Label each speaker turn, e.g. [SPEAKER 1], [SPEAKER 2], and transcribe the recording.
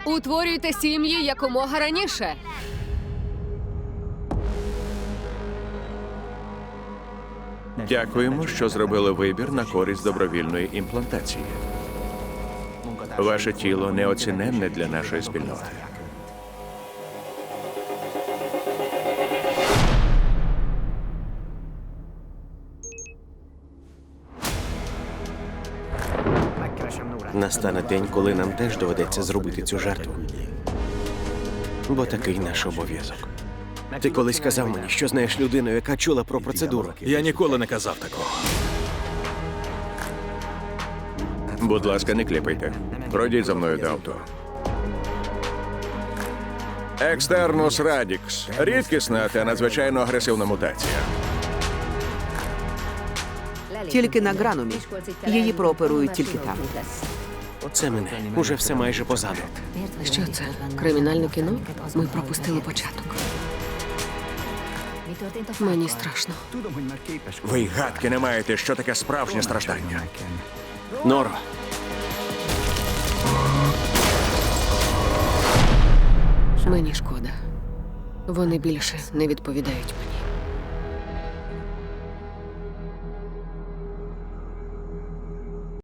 [SPEAKER 1] Утворюйте сім'ї якомога раніше.
[SPEAKER 2] Дякуємо, що зробили вибір на користь добровільної імплантації. Ваше тіло неоціненне для нашої спільноти.
[SPEAKER 3] Настане день, коли нам теж доведеться зробити цю жертву. Бо такий наш обов'язок. Ти колись казав мені, що знаєш людину, яка чула про процедуру.
[SPEAKER 4] Я ніколи не казав такого.
[SPEAKER 2] Будь ласка, не кліпайте. Пройдіть за мною до авто. Екстернус радікс. Рідкісна та надзвичайно агресивна мутація.
[SPEAKER 5] Тільки на Гранумі. Її прооперують тільки там.
[SPEAKER 3] Це мене. Уже все майже позаду.
[SPEAKER 1] Що це? Кримінальне кіно? Ми пропустили початок. Мені страшно.
[SPEAKER 2] Ви й гадки не маєте, що таке справжнє страждання.
[SPEAKER 3] Норо,
[SPEAKER 1] Мені шкода. Вони більше не відповідають мені.